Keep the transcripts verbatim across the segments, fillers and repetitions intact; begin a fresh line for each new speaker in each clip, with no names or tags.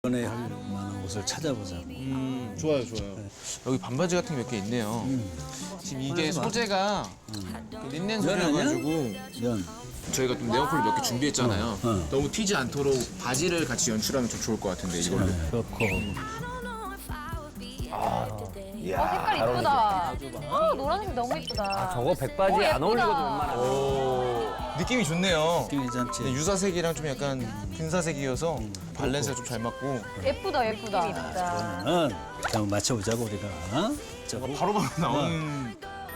이번에 할 만한 옷을 찾아보자고.
음, 좋아요, 좋아요.
네. 여기 반바지 같은 게 몇 개 있네요.
음.
지금 이게 소재가
음.
그 린넨 소재여가지고
면.
저희가 좀 네온컬러 몇 개 준비했잖아요.
어, 어.
너무 튀지 않도록 바지를 같이 연출하면 좀 좋을 것 같은데 이걸로.
네, 그렇고.
어, 색깔 이쁘다. 어, 노란색 너무 이쁘다.
저거 백바지
오,
안 어울리거든,
예쁘다.
웬만하면.
오, 느낌이 좋네요.
느낌 괜찮지?
근데 유사색이랑 좀 약간 근사색이어서 밸런스가 좀 잘 맞고.
예쁘다, 예쁘다. 예쁘다.
그러면은 한번 맞춰보자고 우리가. 어? 자, 뭐,
바로바로 나오는.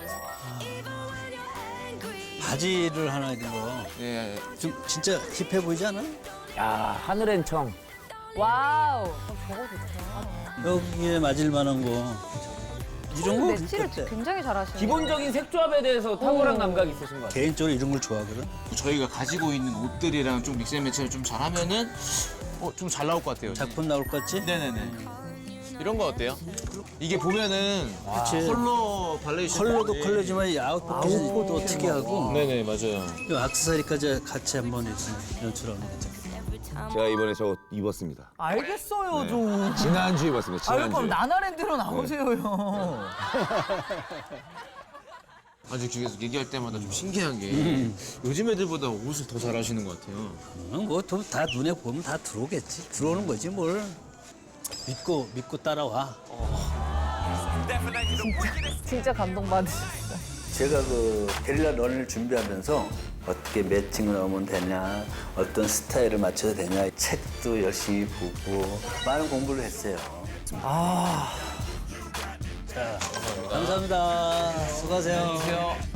바지를 하나 입은 거.
예.
좀 진짜 힙해 보이지 않아?
야, 하늘엔 청.
와우. 어, 저거 좋다.
여기에 맞을 만한 거. 이런 거
매치를
그때
굉장히 잘하시네.
기본적인 색조합에 대해서 탁월한 감각이 있으신 것 같아요.
개인적으로 이런 걸 좋아하거든.
저희가 가지고 있는 옷들이랑 좀 믹스앤매치를 좀 잘하면은 어, 좀 잘 나올 것 같아요.
작품 나올 것 같지?
네네네. 이런 거 어때요? 이게 보면은
그치.
컬러 발레이션
컬러도 컬러지만 이 아웃핏이 또 특이하고.
네네 맞아요.
이 액세서리까지 같이 한번 이렇게 연출하면 괜찮아.
제가 이번에 저거 입었습니다.
알겠어요, 좀.
지난주에 입었습니다.
아유,
지난주에.
그럼 나나랜드로 나오세요, 형.
아직 계속 얘기할 때마다 좀 신기한 게 요즘 애들보다 옷을 더 잘하시는 것 같아요.
뭐다 눈에 보면 다 들어오겠지. 들어오는 거지 뭘. 믿고 믿고 따라와.
진짜 감동받으셨어.
제가 그 게릴라 런을 준비하면서 어떻게 매칭을 하면 되냐, 어떤 스타일을 맞춰야 되냐, 책도 열심히 보고 많은 공부를 했어요. 아, 자, 감사합니다. 수고하세요.
안녕하세요.